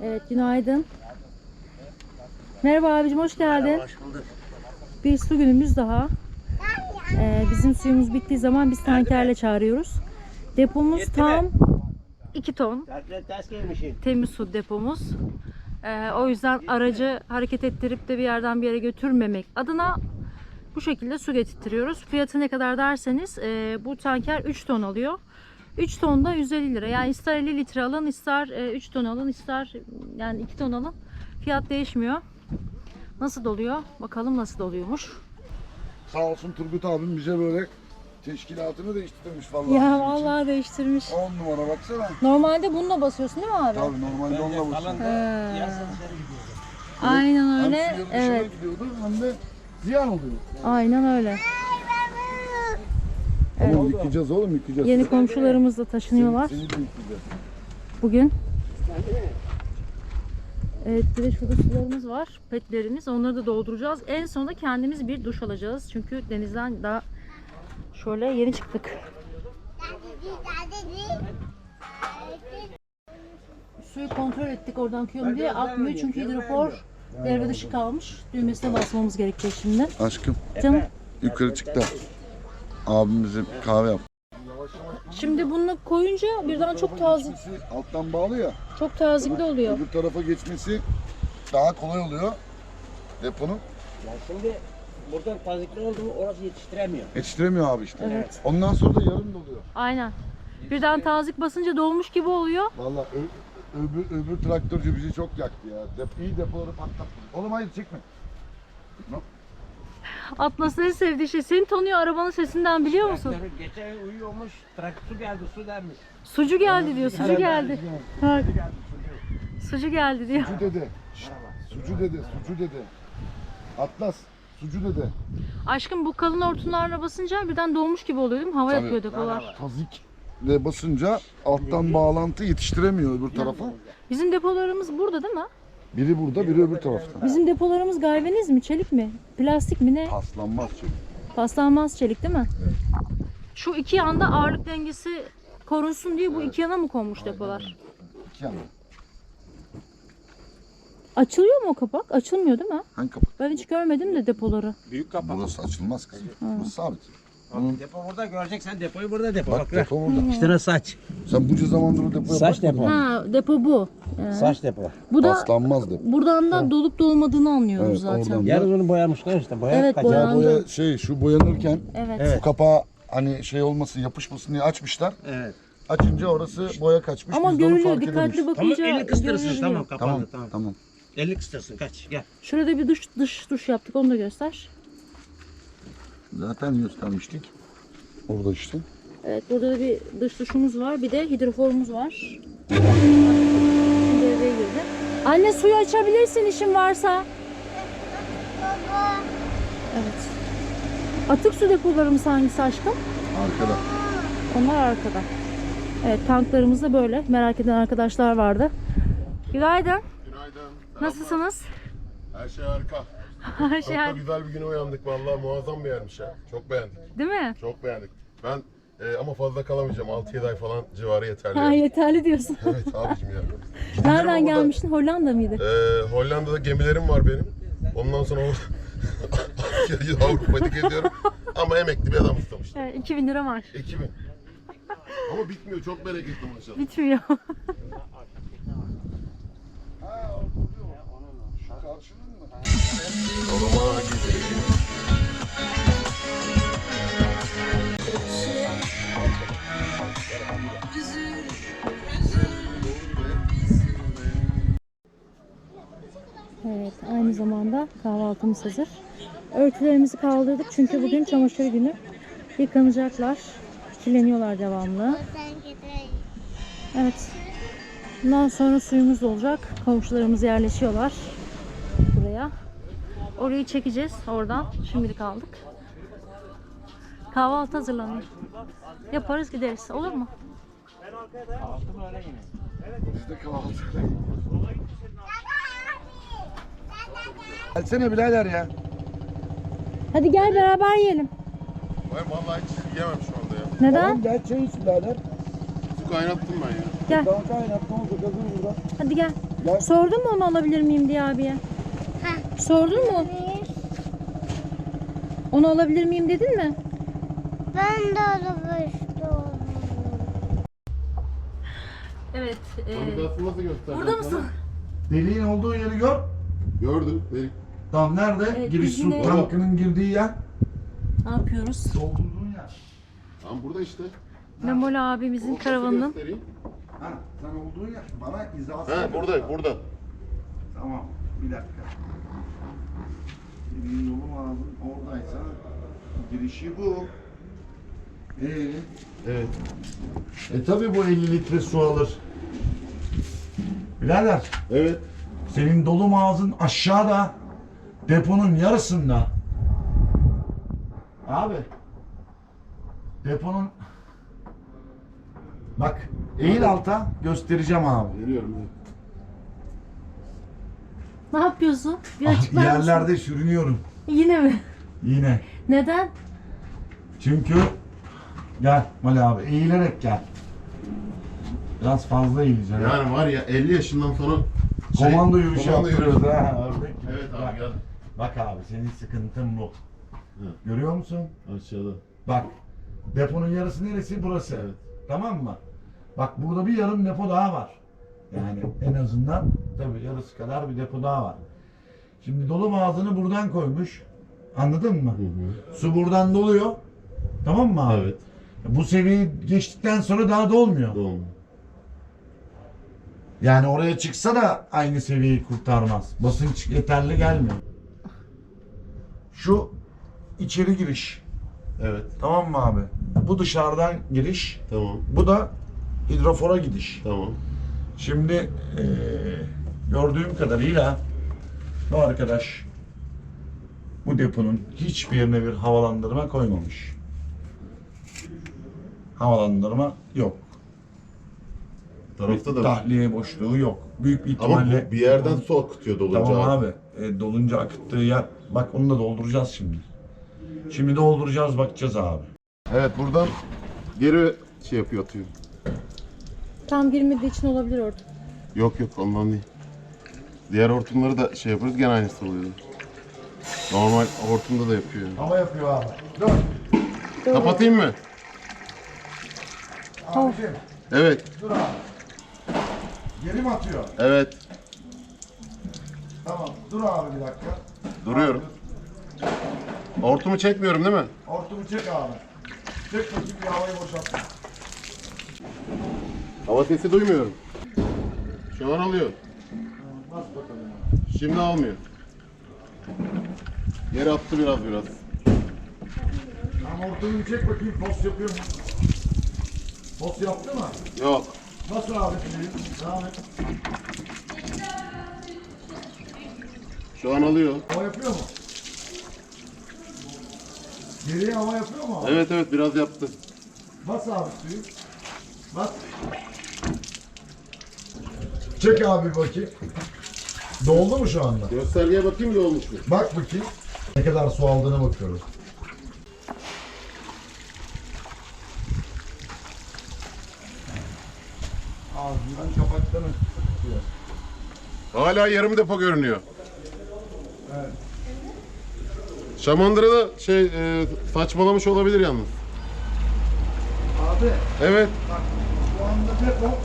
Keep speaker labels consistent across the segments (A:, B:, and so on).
A: Evet, günaydın. Merhaba abicim, hoş geldin.
B: Merhaba, hoş bulduk.
A: Bir su günümüz daha. Bizim suyumuz bittiği zaman biz tankerle çağırıyoruz. Depomuz
B: Yetti
A: tam
B: mi?
A: 2 ton.
B: Ters gelmişsin.
A: Temiz su depomuz. O yüzden aracı hareket ettirip de bir yerden bir yere götürmemek adına bu şekilde su getirtiyoruz. Fiyatı ne kadar derseniz bu tanker 3 ton alıyor. 3 ton da 150 lira. Yani ister 50 litre alın, ister 3 ton alın, ister yani 2 ton alın. Fiyat değişmiyor. Nasıl doluyor? Bakalım nasıl doluyormuş.
C: Sağ olsun Turgut abim bize böyle teşkilatını değiştirmiş vallahi.
A: Ya vallahi değiştirmiş.
C: 10 numara baksana.
A: Normalde bununla basıyorsun değil mi abi?
C: Tabii normalde onunla basıyor.
A: Aynen öyle.
C: Hem suya dışarı
A: Evet.
C: gidiyordu hem de ziyan oluyor.
A: Aynen öyle.
C: Tamam yıkayacağız oğlum yıkayacağız.
A: Yeni komşularımız da taşınıyorlar
C: Seni de yıkayacağız.
A: bugün. Evet, bir de şurada sularımız var, petlerimiz. Onları da dolduracağız. En sonunda kendimiz bir duş alacağız. Çünkü denizden daha şöyle yeni çıktık. Suyu kontrol ettik oradan akıyor diye, akmıyor çünkü hidrofor devre dışı kalmış. Düğmesine basmamız gerekecek şimdi.
C: Aşkım
A: Canım.
C: yukarı çık da abim bize kahve yap.
A: Şimdi bunu koyunca birden çok taze,
C: Geçmesi alttan bağlı ya.
A: çok tazikli oluyor.
C: Öbür tarafa geçmesi daha kolay oluyor deponun.
B: Ya şimdi buradan tazikli oldu mu orası yetiştiremiyor.
C: Yetiştiremiyor abi işte.
A: Evet.
C: Ondan sonra da yarım doluyor.
A: Aynen. Birden tazik basınca dolmuş gibi oluyor.
C: Vallahi öbür traktörcü bizi çok yaktı ya. İyi depoları patlattı. Oğlum hayır çekme.
A: Atlas'ın en sevdiği şey. Seni tanıyor arabanın sesinden, biliyor musun?
B: Traktörü geçen uyuyormuş, su geldi, su dermiş.
A: Sucu geldi diyor. Sucu geldi. Ha, sucu geldi diyor.
C: Sucu dede. Şşt, sucu dede, sucu dede. Atlas, sucu dede.
A: Aşkım, bu kalın hortumlarla basınca birden dolmuş gibi oluyor değil mi? Hava
C: Tabii.
A: yapıyor depolar.
C: Tazikle basınca alttan bağlantı yetiştiremiyor öbür tarafa.
A: Bizim depolarımız burada değil mi?
C: Biri burada, biri öbür tarafta.
A: Bizim depolarımız galvaniz mi? Çelik mi? Plastik mi ne?
C: Paslanmaz çünkü.
A: Paslanmaz çelik değil mi? Şu iki yanda ağırlık dengesi korunsun diye bu iki yana mı konmuş depolar?
C: İki yana.
A: Açılıyor mu o kapak? Açılmıyor değil mi?
C: Hangi kapak?
A: Ben hiç görmedim de depoları.
B: Büyük kapak.
C: Burası açılmaz kızım. Burası sabit.
B: Depo burada, göreceksen depoyu burada depo.
C: Bak depo burada.
B: İşte ne saç.
C: Sen bunca zamandır o depoya
B: Saç
C: bakmadın
B: depo.
C: mı?
A: Ha, depo bu.
B: Saç depo.
A: Bu da
C: Paslanmaz depo.
A: buradan da dolup dolmadığını anlıyoruz
C: Evet,
A: zaten.
C: oradan.
B: Yarın onu boyamışlar işte.
A: Evet,
B: kaçar.
A: boyandı.
C: Şu boyanırken
A: Evet.
C: bu kapağı hani şey olmasın, yapışmasın diye açmışlar.
B: Evet.
C: Açınca orası boya kaçmış.
A: Ama
C: biz de onu
A: görülüyor.
C: fark
A: Dikkatli
C: edememişiz.
B: Tamam,
A: bakınca
B: elini kıstırsın. Tamam,
A: görülüyor.
B: kapandı.
C: Tamam,
B: Tamam.
C: tamam.
B: Elini kıstırsın, kaç. Gel.
A: Şurada bir dış duş yaptık. Onu da göster.
C: Zaten göstermiştik. Orada işte.
A: Evet, burada da bir dış duşumuz var. Bir de hidroforumuz var. Şimdi devreye girdi. Anne, suyu açabilirsin işin varsa. Evet. Atık su depolarımız hangisi aşkım?
C: Arkada.
A: Onlar arkada. Evet, tanklarımız da böyle. Merak eden arkadaşlar vardı. Günaydın.
D: Günaydın.
A: Nasılsınız?
D: Her şey harika.
A: Her
D: Çok
A: şey
D: da güzel bir güne uyandık vallahi, muazzam bir yermiş ya. Çok beğendik.
A: değil mi?
D: Çok beğendik. Ben ama fazla kalamayacağım. 6-7 ay falan civarı yeterli.
A: Ha,
D: yani.
A: yeterli diyorsun.
D: Evet abicim ya.
A: Nereden
D: Ama burada,
A: gelmiştin? Hollanda mıydı?
D: Hollanda'da gemilerim var benim. Ondan sonra Avrupa'da geziyorum. Ama emekli bir adam istemiştim.
A: Evet, 2000 lira var.
D: 2000. Ama bitmiyor. Çok bereketli maşallah.
A: Bitmiyor.
C: Şu karşının mı?
D: Yoluma gidelim.
A: Evet, aynı zamanda kahvaltımız hazır. Örtülerimizi kaldırdık çünkü bugün çamaşır günü. Yıkanacaklar. Kirleniyorlar devamlı. Evet. Bundan sonra suyumuz da olacak. Komşularımız yerleşiyorlar buraya. Orayı çekeceğiz oradan. Şimdilik aldık. Kahvaltı hazırlanıyor. Yaparız gideriz. Olur mu?
C: Biz de kahvaltı. Gelsene birader ya.
A: Hadi gel beraber yiyelim.
D: Ben vallahi hiç yiyemem şu anda ya.
A: Neden?
C: Tamam gel çay iç birader.
D: Su kaynattım ben ya.
A: Gel.
C: Daha kaynat ne olacak hazır burada.
A: Hadi gel.
C: Gel.
A: Sordun mu onu alabilir miyim diye abiye? Sordun mu? Onu alabilir miyim dedin mi?
E: Ben de aramıştım.
A: Evet.
D: Navigasyon nasıl gösterdi?
A: Burada mısın?
C: Deliğin olduğu yeri gör.
D: Gördüm. Delik.
C: Tamam nerede?
A: Evet,
C: Giriş
A: biz
C: su
A: yine-
C: tankının girdiği yer.
A: Ne yapıyoruz?
C: Doldurduğun yer.
D: Tamam burada işte.
A: Memoli abimizin karavanının.
D: Göstereyim.
C: Ha, sen olduğun yer. Bana izah
D: Ha burada.
C: Tamam, bir dakika. Deliğin yolu ağzın oradaysa girişi bu.
D: Evet.
C: Tabi bu 50 litre su alır. Birader,
D: Evet.
C: senin dolu ağzın aşağıda, deponun yarısında. Abi, deponun... Bak, eğil alta göstereceğim abi.
D: Geliyorum.
A: Ne yapıyorsun? Bir açıklar mısın?
C: Yerlerde sürünüyorum
A: Yine mi?
C: yine.
A: Neden?
C: Çünkü gel Mali abi, eğilerek gel. Biraz fazla eğileceğim.
D: Yani var ya 50 yaşından sonra
C: Komando yürüyüşü
D: komando
C: yaptırıyoruz
D: yürüyüşü.
C: ha. Ördek gibi.
D: Evet abi
C: Bak,
D: gel.
C: bak abi, senin sıkıntın bu.
D: Hı.
C: Görüyor musun?
D: Aşağıda.
C: Bak, deponun yarısı neresi? Burası.
D: Evet.
C: Tamam mı? Bak burada bir yarım depo daha var. Yani en azından tabii yarısı kadar bir depo daha var. Şimdi dolu ağzını buradan koymuş. Anladın mı? Su buradan doluyor. Tamam mı abi?
D: Evet.
C: Bu seviyeyi geçtikten sonra daha dolmuyor.
D: Doğru.
C: Yani oraya çıksa da aynı seviyeyi kurtarmaz. Basınç yeterli gelmiyor. Şu içeri giriş.
D: Evet.
C: Tamam mı abi? Bu dışarıdan giriş.
D: Tamam.
C: Bu da hidrofora gidiş.
D: Tamam.
C: Şimdi gördüğüm kadarıyla bu arkadaş bu deponun hiçbir yerine bir havalandırma koymamış. Havalandırma yok.
D: Tarafta da.
C: Tahliye boşluğu yok. Büyük bir
D: Ama
C: ihtimalle...
D: bu bir yerden su akıtıyor dolunca.
C: Tamam abi. Dolunca akıttığı yer. Bak onu da dolduracağız şimdi. Şimdi dolduracağız, bakacağız abi.
D: Evet buradan geri şey yapıyor atıyor.
A: Tam girmediği için olabilir orada.
D: Yok ondan değil. Diğer hortumları da şey yaparız gene aynısı oluyor. Normal hortumda da yapıyor.
C: Hava yapıyor abi. Dur.
D: Kapatayım mı?
C: Abiciğim.
D: Evet.
C: Dur abi. Geri mi atıyor?
D: Evet.
C: Tamam. Dur abi bir dakika.
D: Duruyorum. Hortumu çekmiyorum değil mi?
C: Hortumu çek abi. Çek bakayım bir havayı boşalt.
D: Hava sesi duymuyorum. Şu an alıyor.
C: Bas bakalım.
D: Şimdi almıyor. Geri attı biraz.
C: Tamam, hortumu çek bakayım, post yapıyor mu? Post yaptı mı?
D: Yok.
C: Nasıl abi şimdi? Devam et.
D: Şu an alıyor.
C: Hava yapıyor mu? Geriye hava yapıyor mu abi?
D: Evet biraz yaptı.
C: Bas abi suyu. Bas. Çek abi bakayım. Doldu mu şu anda?
D: Göstergeye bakayım da olmuş mu?
C: Bak bakayım. Ne kadar su aldığına bakıyoruz. Ağzından kapaklarını tutuyor.
D: Hala yarım depo görünüyor. Şamandıra'da saçmalamış olabilir yalnız.
C: Abi
D: Evet.
C: bak şu anda depo.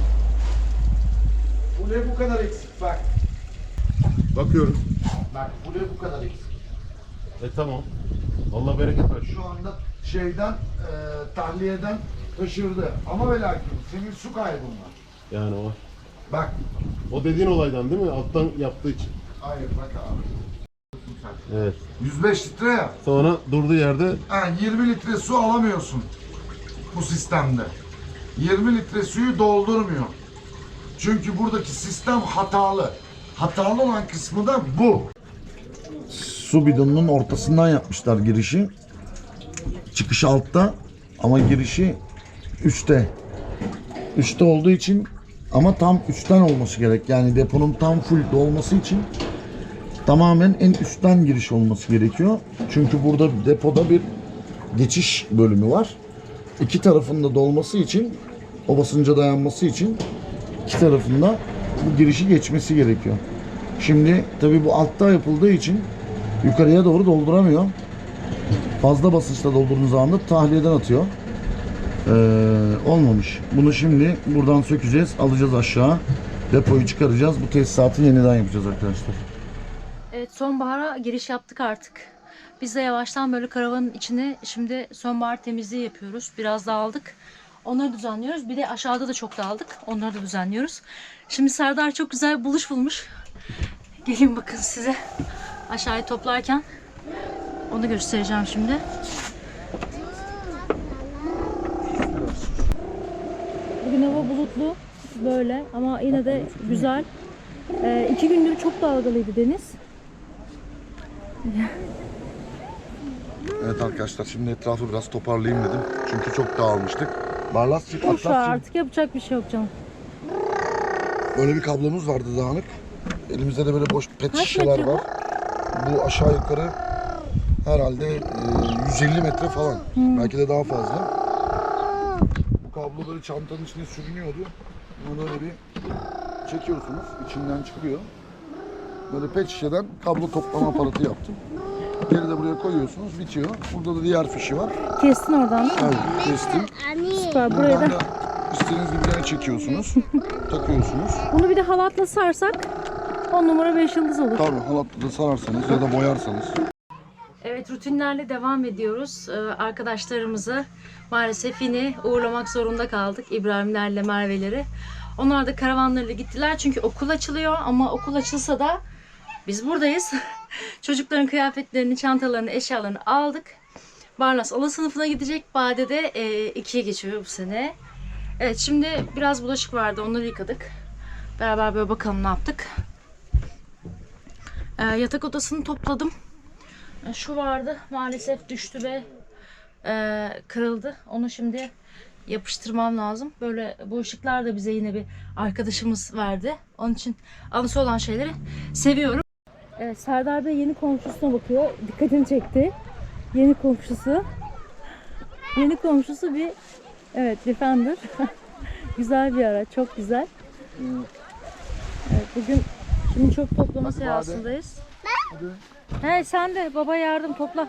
C: Bu ne bu kadar eksik bak.
D: Bakıyorum.
C: Bak bu ne bu kadar eksik.
D: Tamam. Allah bereket versin.
C: Şu anda şeyden tahliyeden taşırdı. Ama ve lakin senin su kaybın var.
D: Yani o.
C: Bak.
D: O dediğin olaydan değil mi? Alttan yaptığı için.
C: Hayır bak abi.
D: Evet.
C: 105 litre ya.
D: Sonra durduğu yerde
C: 20 litre su alamıyorsun bu sistemde. 20 litre suyu doldurmuyor. Çünkü buradaki sistem hatalı. Hatalı olan kısmı da bu. Su bidonunun ortasından yapmışlar girişi. Çıkış altta ama girişi üstte. Üstte olduğu için ama tam üstten olması gerek. Yani deponun tam full dolması için tamamen en üstten giriş olması gerekiyor. Çünkü burada depoda bir geçiş bölümü var. İki tarafında dolması için, o basınca dayanması için iki tarafında bu girişi geçmesi gerekiyor. Şimdi tabii bu altta yapıldığı için yukarıya doğru dolduramıyor. Fazla basınçla doldurduğunuz anda tahliyeden atıyor. Olmamış. Bunu şimdi buradan sökeceğiz, alacağız aşağı. Depoyu çıkaracağız. Bu tesisatı yeniden yapacağız arkadaşlar.
A: Evet, sonbahara giriş yaptık artık. Biz de yavaştan böyle karavanın içine şimdi sonbahar temizliği yapıyoruz. Biraz dağıldık. Onları düzenliyoruz. Bir de aşağıda da çok dağıldık. Onları da düzenliyoruz. Şimdi Serdar çok güzel bir buluş bulmuş. Gelin bakın size aşağıyı toplarken onu göstereceğim şimdi. Bugün hava bulutlu böyle ama yine de güzel. 2 gündür çok dalgalıydı deniz.
C: Evet arkadaşlar, şimdi etrafı biraz toparlayayım dedim. Çünkü çok dağılmıştık. Barlasçık,
A: Boş ver,
C: Atlasçık.
A: artık yapacak bir şey yok canım.
C: Böyle bir kablomuz vardı dağınık. Elimizde de böyle boş pet
A: Kaç
C: şişeler
A: metre bu?
C: var. Bu aşağı yukarı herhalde 150 metre falan. Belki de daha fazla. Bu kablo böyle çantanın içine sürünüyordu. Bunu böyle bir çekiyorsunuz. İçinden çıkıyor. Böyle pet şişeden kablo toplama aparatı yaptım. Geri de buraya koyuyorsunuz, bitiyor. Burada da diğer fişi var.
A: Kestin oradan değil mi?
C: Evet, kestim.
A: Süper. Buraya
C: Buradan
A: da
C: da istediğiniz gibi yere çekiyorsunuz. Takıyorsunuz.
A: bunu bir de halatla sarsak 10 numara 5 yıldız olur.
C: Tabii halatla da sararsanız ya da boyarsanız.
A: Evet, rutinlerle devam ediyoruz. Arkadaşlarımızı maalesef yine uğurlamak zorunda kaldık. İbrahimlerle Merve'leri. Onlar da karavanlarıyla gittiler çünkü okul açılıyor ama okul açılsa da biz buradayız. Çocukların kıyafetlerini, çantalarını, eşyalarını aldık. Barlas ala sınıfına gidecek. Bade de 2'ye geçiyor bu sene. Evet, şimdi biraz bulaşık vardı. Onları yıkadık. Beraber böyle bakalım ne yaptık. Yatak odasını topladım. Şu vardı. Maalesef düştü ve kırıldı. Onu şimdi yapıştırmam lazım. Böyle bu ışıklar da bize yine bir arkadaşımız verdi. Onun için anısı olan şeyleri seviyorum. Evet, Serdar Bey yeni komşusuna bakıyor. Dikkatini çekti. Yeni komşusu. Yeni komşusu bir Defender. Güzel bir araç. Çok güzel. Evet, bugün şimdi çöp toplama seansındayız. He, sen de baba yardım topla.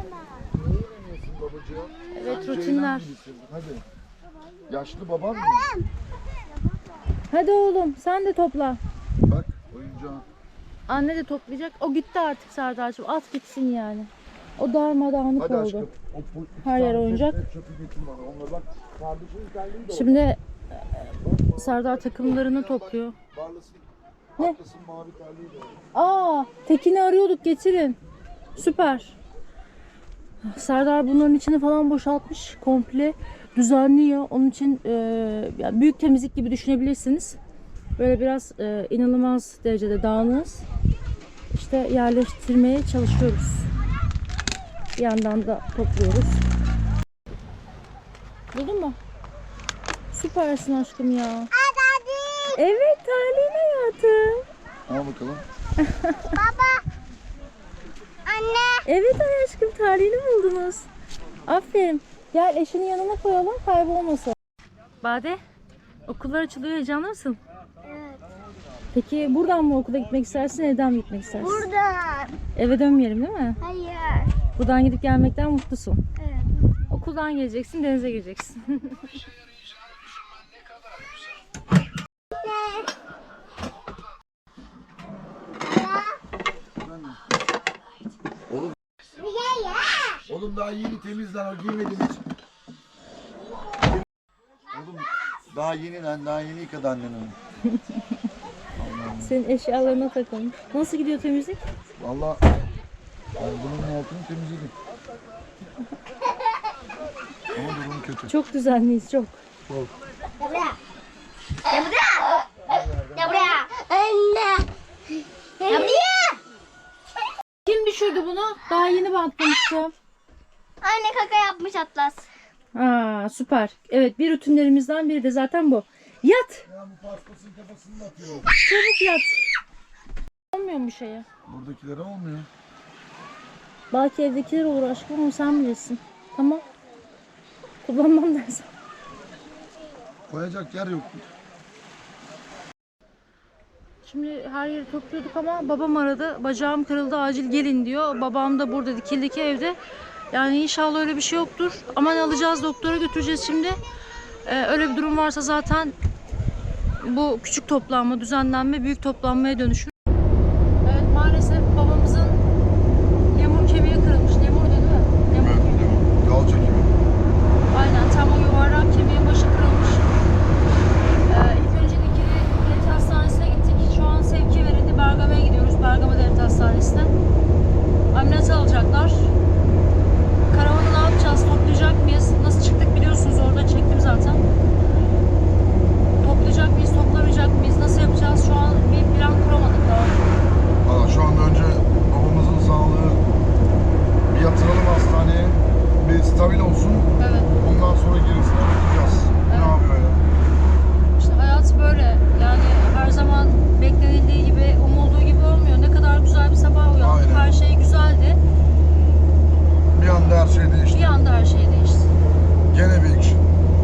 A: Evet, rutinler.
C: Hadi. Yaşlı babam mı?
A: Hadi oğlum sen de topla.
C: Bak oyuncağı.
A: Anne de toplayacak. O gitti artık Serdar'cığım. At gitsin yani. O darmadağınık
C: Hadi
A: oldu.
C: aşkım.
A: Her yer oyuncak.
C: Çöpü getir bana. Onları bak. Kardeşinin terliği de o.
A: Şimdi Serdar takımlarını topluyor.
C: Barlas'ın
A: Ne?
C: arkasının mavi terliği de o.
A: Tekin'i arıyorduk, getirin. Süper. Serdar bunların içini falan boşaltmış. Komple düzenliyor. Onun için yani büyük temizlik gibi düşünebilirsiniz. Böyle biraz inanılmaz derecede dağınığız. İşte yerleştirmeye çalışıyoruz. Bir yandan da topluyoruz. Buldun mu? Süpersin aşkım ya. Evet, terliğin hayatım.
C: Al bakalım.
A: Evet ay aşkım, terliğini buldunuz. Aferin. Gel eşinin yanına koyalım, kaybolmasın. Bade, okullar açılıyor, heyecanlı mısın?
E: Evet.
A: Peki buradan mı okula gitmek istersin, evden mi gitmek istersin?
E: Buradan.
A: Eve dönmeyelim değil mi?
E: Hayır.
A: Buradan gidip gelmekten mutlusun.
E: Evet.
A: Okuldan geleceksin, denize gireceksin.
C: Oğlum daha yeni temizlen, o giymedim hiç. Oğlum daha yeni lan, daha yeni yıkadı annen onu.
A: Senin eşyalarına takılmış. Nasıl gidiyor temizlik?
C: Vallahi ben bunun altını temizledim. Ama durum kötü.
A: Çok düzenliyiz, çok.
C: Çok.
E: Ya buraya. Anne. Ya buraya.
A: Kim düşürdü bunu? Daha yeni bantlamıştım.
E: Anne kaka yapmış Atlas.
A: Süper. Evet, bir rutinlerimizden biri de zaten bu. Yat.
C: Ya bu paspasın kafasını atıyor.
A: Çabuk yat. Olmuyor mu şeye?
C: Buradakilere olmuyor.
A: Belki evdekiler olur aşkım ama sen bilirsin. Tamam. Kullanmam dersen.
C: Koyacak yer yok.
A: Şimdi her yeri topluyorduk ama babam aradı. Bacağım kırıldı, acil gelin diyor. Babam da burada Dikili'deki evde. Yani inşallah öyle bir şey yoktur. Aman alacağız, doktora götüreceğiz şimdi. Öyle bir durum varsa zaten bu küçük toplanma, düzenlenme büyük toplanmaya dönüşür. Evet, maalesef babamızın lemur kemiği kırılmış. Lemur değil mi? Lemur kemiği.
C: Yol çekimi.
A: Aynen, tam o yuvarlak kemiğin başı kırılmış. İlk önce Dikili Devlet Hastanesi'ne gittik. Şu an sevki verildi. Bergama'ya gidiyoruz. Bergama Devlet Hastanesi'ne. Ameliyat alacaklar. Karavanı ne yapacağız? Toplayacak mıyız? Nasıl çıktık biliyorsunuz, orada çektim zaten. Toplayacak mıyız? Toplamayacak mıyız? Nasıl yapacağız? Şu an bir plan kuramadık daha.
C: Valla şu anda önce babamızın sağlığı bir yatıralım hastaneye. Bir stabil olsun.
A: Evet.
C: Ondan sonra gerisine bakacağız. Ne
A: Evet.
C: yapıyor ya?
A: İşte hayat böyle. Yani her zaman beklenildiği gibi, umulduğu gibi olmuyor. Ne kadar güzel bir sabah uyandık.
C: Aynen.
A: Her şey güzeldi.
C: Bir anda her şey değişti.
A: Bir anda her şey değişti.
C: Gene bir action.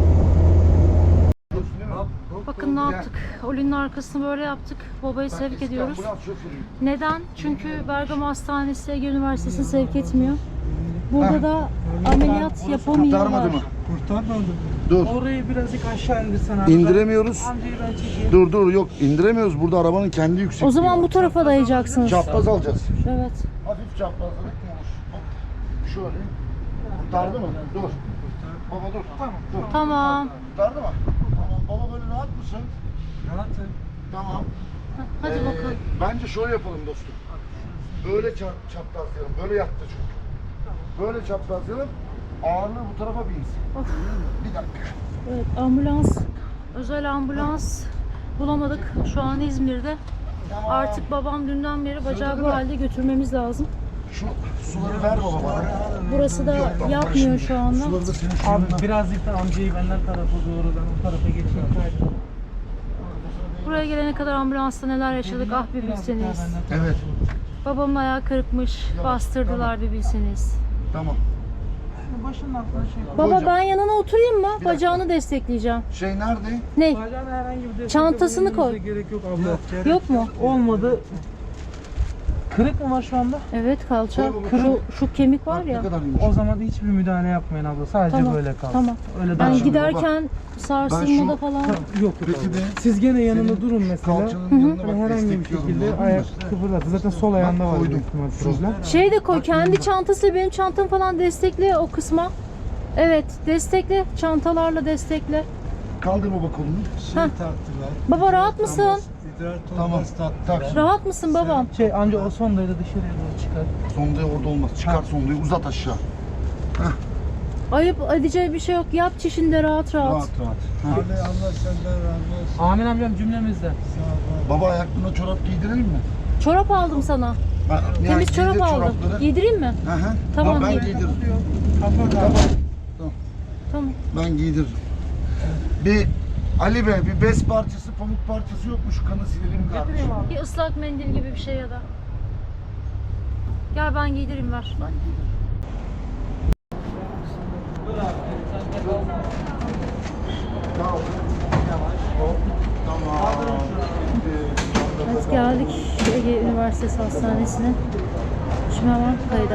A: Bakın ne yaptık. Oli'nin arkasını böyle yaptık. Babayı sevk ediyoruz. Neden? Çünkü Bergama Hastanesi Ege Üniversitesi'ni sevk etmiyor. Burada da ameliyat yapamıyorlar.
C: Kurtarmadı mı?
F: Kurtarmadı.
C: Dur.
F: Orayı birazcık aşağı indirsen abi.
C: İndiremiyoruz.
F: Amcayı ben çekeyim.
C: Dur yok indiremiyoruz. Burada arabanın kendi yüksekliği.
A: O zaman
C: var.
A: bu tarafa dayayacaksınız.
C: Çapraz alacağız.
A: Evet.
C: Hafif çaprazladık mı olur? Hop. Şöyle. Kurtardı mı? Dur. Baba dur. Tamam. Dur.
A: Tamam.
C: Kurtardı mı? Tamam. Baba böyle rahat mısın?
F: Rahatım.
C: Tamam.
A: Hadi bakalım.
C: Bence şöyle yapalım dostum. Böyle çaprazlayalım. Böyle yattı çünkü. Böyle çaprazlayalım. Ağırlığı bu tarafa binsin.
A: Of.
C: Bir dakika.
A: Evet, ambulans. Özel ambulans bulamadık. Şu an İzmir'de. Artık babam dünden beri bacağı bu halde götürmemiz lazım.
C: Şu suları ver baba bana.
A: Burası da yapmıyor şu anda.
C: Suları da senin
F: Abi
C: şununla.
F: birazcık da amcayı benden tarafa doğru, ben o tarafa geçeyim.
A: Buraya gelene kadar ambulansta neler yaşadık ah bir bilseniz.
C: Evet.
A: Babamın ayağı kırıkmış. Bastırdılar bir bilseniz.
C: Tamam.
F: Başının altına şey koy.
A: Baba
C: Hocam.
A: ben yanına oturayım mı?
C: dakika.
A: Bacağını destekleyeceğim.
C: Şey nerede?
A: Ne?
F: Bacağına herhangi bir destek
A: Çantasını
F: bulunmanıza
A: koy.
F: Gerek yok abla.
A: Yok mu?
F: Olmadı. Kırık mı var şu anda?
A: Evet, kalça.
C: Koy baba.
A: Şu kemik var
C: Ne
A: ya.
C: kadar yumuşak.
F: O zaman hiçbir müdahale yapmayın abla. Sadece
A: Tamam.
F: böyle kal.
A: Tamam.
F: Öyle
A: Ben
F: daha iyi.
A: giderken sarsılmada
C: şu-
A: falan.
F: Yok
C: Peki
F: abla.
C: de
F: Siz gene yanında
C: senin
F: durun mesela.
C: kalçanın yanına
F: Hani
C: bak
F: herhangi bir
C: destekliyorum.
F: şekilde
C: gördün mü?
F: ayak kıpırdadı. Zaten sol ayağında var
C: koydum.
F: büyük ihtimal
C: Şu.
F: problem.
A: Şey de koy, kendi çantasıyla benim çantamı falan destekle o kısma. Evet, destekle. Çantalarla destekle.
C: Kaldır baba kolunu.
A: Heh. Baba rahat mısın?
C: Tamam. Tak.
A: Rahat mısın babam?
F: Şey amca o sondayı da dışarıya doğru çıkar.
C: Sondayı orada olmaz. Çıkar sondayı uzat aşağı.
A: Ayıp edeceği bir şey yok. Yap çişinde rahat rahat.
C: Rahat rahat. Ha.
F: Amin amcam cümlemizde.
C: Baba ayaklarına çorap giydirelim mi?
A: Çorap aldım sana. Temiz çorap aldım. Giydireyim mi?
C: Hı hı.
A: Tamam,
C: Ben
A: giydir.
C: giydiririm.
A: Tamam.
C: Ben giydiririm. Bir Ali Bey bir bez parçası, pamuk parçası yok mu? Şu kanı silelim kardeşim.
A: Bir ıslak mendil gibi bir şey ya da. Gel ben giydireyim ver.
C: Ben giydiririm. Tamam. Hop. Tamam.
A: Evet, geldik Ege Üniversitesi Hastanesi'ne. Şimdi hemen kayda.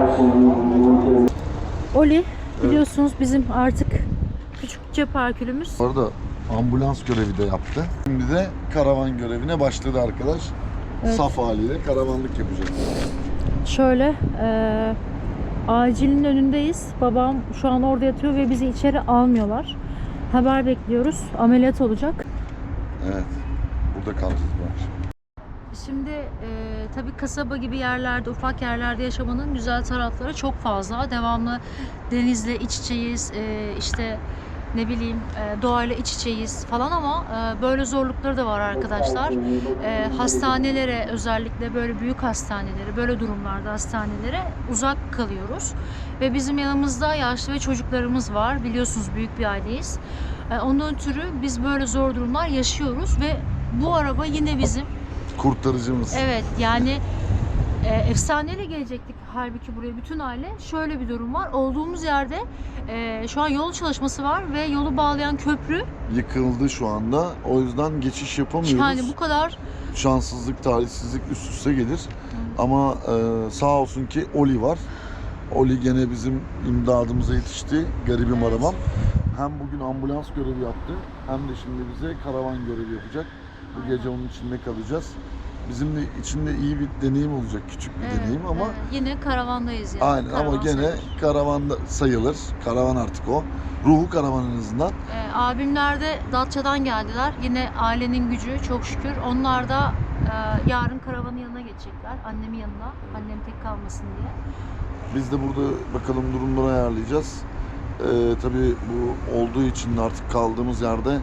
A: Oli biliyorsunuz bizim artık küçük cep herkülümüz.
C: Bu arada ambulans görevi de yaptı. Şimdi de karavan görevine başladı arkadaş.
A: Evet.
C: Saf haliyle karavanlık yapacak.
A: Şöyle acilin önündeyiz. Babam şu an orada yatıyor ve bizi içeri almıyorlar. Haber bekliyoruz. Ameliyat olacak.
C: Evet. Burada kalacağız bu akşam.
A: Şimdi tabii kasaba gibi yerlerde, ufak yerlerde yaşamanın güzel tarafları çok fazla. Devamlı denizle iç içeyiz, işte ne bileyim doğayla iç içeyiz falan ama böyle zorlukları da var arkadaşlar. Hastanelere, özellikle böyle büyük hastanelere, böyle durumlarda hastanelere uzak kalıyoruz. Ve bizim yanımızda yaşlı ve çocuklarımız var. Biliyorsunuz büyük bir aileyiz. Ondan ötürü biz böyle zor durumlar yaşıyoruz ve bu araba yine bizim.
C: Kurtarıcımız.
A: Evet, yani Efsaneyle gelecektik halbuki buraya bütün aile. Şöyle bir durum var. Olduğumuz yerde şu an yol çalışması var ve yolu bağlayan köprü.
C: Yıkıldı şu anda. O yüzden geçiş yapamıyoruz.
A: Yani bu kadar
C: Şanssızlık, talihsizlik üst üste gelir. Ama sağ olsun ki Oli var. Oli gene bizim imdadımıza yetişti. Garibim
A: Evet.
C: arabam. Hem bugün ambulans görevi yaptı, hem de şimdi bize karavan görevi yapacak. Bu gece onun içinde kalacağız. Bizim de içinde iyi bir deneyim olacak, küçük bir deneyim ama
A: yine karavandayız yani.
C: aynen, ama
A: Karavan
C: gene
A: sayılır.
C: karavanda sayılır. Karavan artık o. Ruhu karavan en azından.
A: Abimler de Datça'dan geldiler. Yine ailenin gücü çok şükür. Onlar da yarın karavanın yanına geçecekler. Annemin yanına. Annem tek kalmasın diye.
C: Biz de burada bakalım durumları ayarlayacağız. Tabii bu olduğu için de artık kaldığımız yerde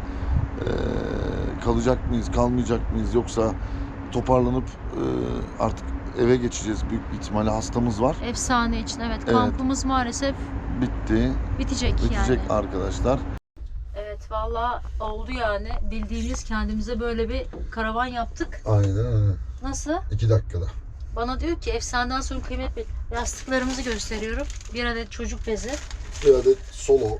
C: kalacak mıyız, kalmayacak mıyız, yoksa toparlanıp artık eve geçeceğiz. Büyük bir ihtimalle hastamız var.
A: Efsane için evet.
C: Evet.
A: Kampımız maalesef
C: Bitecek
A: yani.
C: arkadaşlar.
A: Evet valla oldu yani. Bildiğimiz kendimize böyle bir karavan yaptık.
C: Aynen.
A: Nasıl?
C: 2 dakikada.
A: Bana diyor ki efsaneden sonra kıymet bil. Yastıklarımızı gösteriyorum. Bir adet çocuk bezi.
C: Bir adet solo.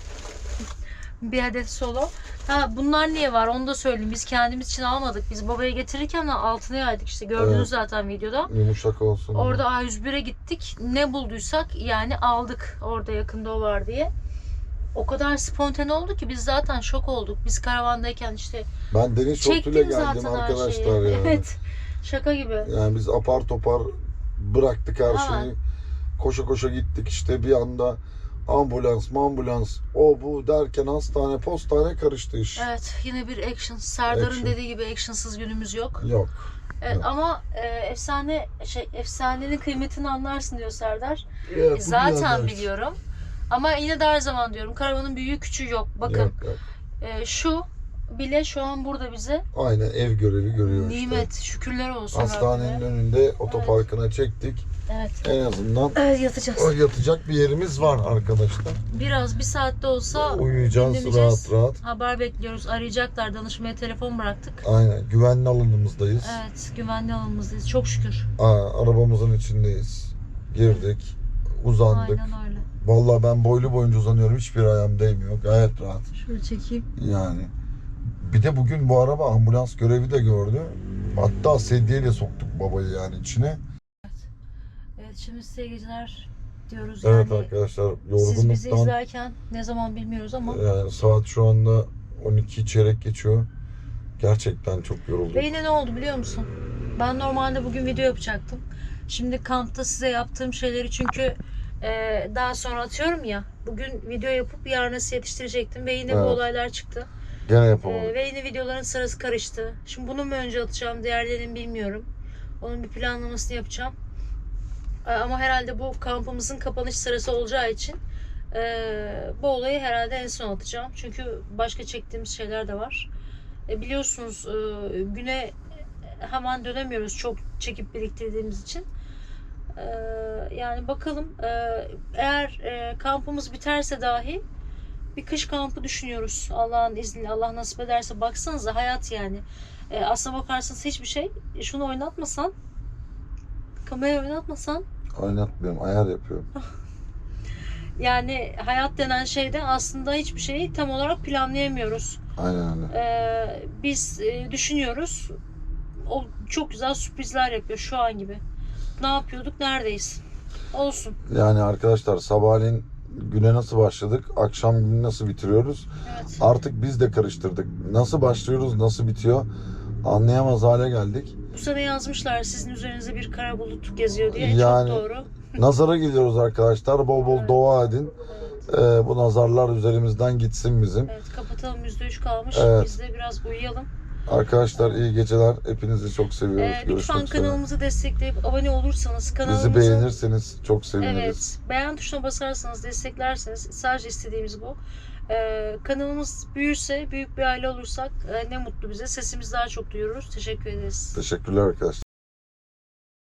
A: Bir adet solo. Ha bunlar niye var onu da söyleyeyim. Biz kendimiz için almadık. Biz babaya getirirken de altına yaydık işte. Gördünüz
C: Evet.
A: zaten videoda.
C: Yumuşak olsun.
A: Orada A101'e gittik. Ne bulduysak yani aldık. Orada yakında o var diye. O kadar spontane oldu ki biz zaten şok olduk. Biz karavandayken işte
C: Ben deniz şortuyla
A: çektim
C: geldim
A: zaten her
C: arkadaşlar
A: şeyi.
C: yani.
A: Evet. Şaka gibi.
C: Yani biz apar topar bıraktık her
A: Hemen.
C: şeyi. Koşa koşa gittik işte, bir anda ambulans, o bu derken hastane, postane karıştı iş.
A: Evet yine bir action. Serdar'ın
C: Action.
A: dediği gibi actionsız günümüz yok.
C: Yok.
A: Evet,
C: Yok.
A: ama efsanenin kıymetini anlarsın diyor Serdar.
C: Ya, bu
A: Zaten
C: birader.
A: biliyorum. Ama yine de her zaman diyorum karavanın büyüğü küçüğü yok. Bakın
C: Yok, yok.
A: şu bile şu an burada bize
C: Aynen ev görevi görüyor
A: nimet.
C: işte.
A: Şükürler olsun
C: Hastanenin
A: Rabbime.
C: önünde otoparkına çektik.
A: Evet.
C: En azından
A: Evet yatacağız.
C: yatacak bir yerimiz var arkadaşlar.
A: Biraz bir saatte olsa
C: Uyuyacağız
A: dinleneceğiz.
C: rahat rahat.
A: Haber bekliyoruz. Arayacaklar. Danışmaya telefon bıraktık.
C: Aynen, güvenli alanımızdayız.
A: Evet. Güvenli alanımızdayız. Çok şükür.
C: Arabamızın içindeyiz. Girdik, uzandık.
A: Aynen öyle.
C: Vallahi ben boylu boyunca uzanıyorum. Hiçbir ayağım değmiyor. Gayet rahat.
A: Şöyle çekeyim.
C: Yani. Bir de bugün bu araba ambulans görevi de gördü. Hatta sedyeyle soktuk babayı yani içine.
A: Evet şimdi size iyi geceler diyoruz.
C: Evet
A: yani
C: arkadaşlar,
A: siz bizi
C: yorgunluktan
A: izlerken ne zaman bilmiyoruz ama
C: yani saat şu anda 12 çeyrek geçiyor. Gerçekten çok yoruldum.
A: ve yine ne oldu biliyor musun? Ben normalde bugün video yapacaktım. Şimdi kampta size yaptığım şeyleri çünkü daha sonra atıyorum ya. Bugün video yapıp yarın size yetiştirecektim ve yine bu
C: Evet.
A: olaylar çıktı.
C: Gene yapamadım.
A: Ve yine videoların sırası karıştı. Şimdi bunu mu önce atacağım, diğerlerini bilmiyorum. Onun bir planlamasını yapacağım. Ama herhalde bu kampımızın kapanış sırası olacağı için bu olayı herhalde en son atacağım. Çünkü başka çektiğimiz şeyler de var. Biliyorsunuz güne hemen dönemiyoruz çok çekip biriktirdiğimiz için. Yani bakalım eğer kampımız biterse dahi bir kış kampı düşünüyoruz. Allah'ın izniyle, Allah nasip ederse. Baksanıza hayat yani. Aslına bakarsanız hiçbir şey. Şunu oynatmasan, kamerayı oynatmasan,
C: Oynatmıyorum, ayar yapıyorum.
A: yani hayat denen şeyde aslında hiçbir şeyi tam olarak planlayamıyoruz.
C: Aynen öyle.
A: Biz düşünüyoruz. O çok güzel sürprizler yapıyor şu an gibi. Ne yapıyorduk? Neredeyiz? Olsun.
C: Yani arkadaşlar, sabahleyin güne nasıl başladık, akşam günü nasıl bitiriyoruz?
A: Evet.
C: Artık biz de karıştırdık. Nasıl başlıyoruz, nasıl bitiyor anlayamaz hale geldik.
A: Bu sene yazmışlar sizin üzerinize bir kara bulut geziyor diye.
C: Yani-
A: Çok doğru.
C: Nazara gidiyoruz arkadaşlar. Bol bol dua edin. Bu nazarlar üzerimizden gitsin bizim.
A: Evet kapatalım, %3 kalmış.
C: Evet.
A: Biz de biraz uyuyalım.
C: Arkadaşlar iyi geceler. Hepinizi çok seviyoruz.
A: Lütfen
C: Görüşmek üzere.
A: kanalımızı destekleyip abone olursanız
C: Bizi
A: kanalımızı
C: beğenirseniz çok seviniriz.
A: evet, beğen tuşuna basarsanız, desteklerseniz sadece istediğimiz bu. Kanalımız büyürse, büyük bir aile olursak ne mutlu bize. Sesimizi daha çok duyururuz. Teşekkür ederiz.
C: Teşekkürler arkadaşlar.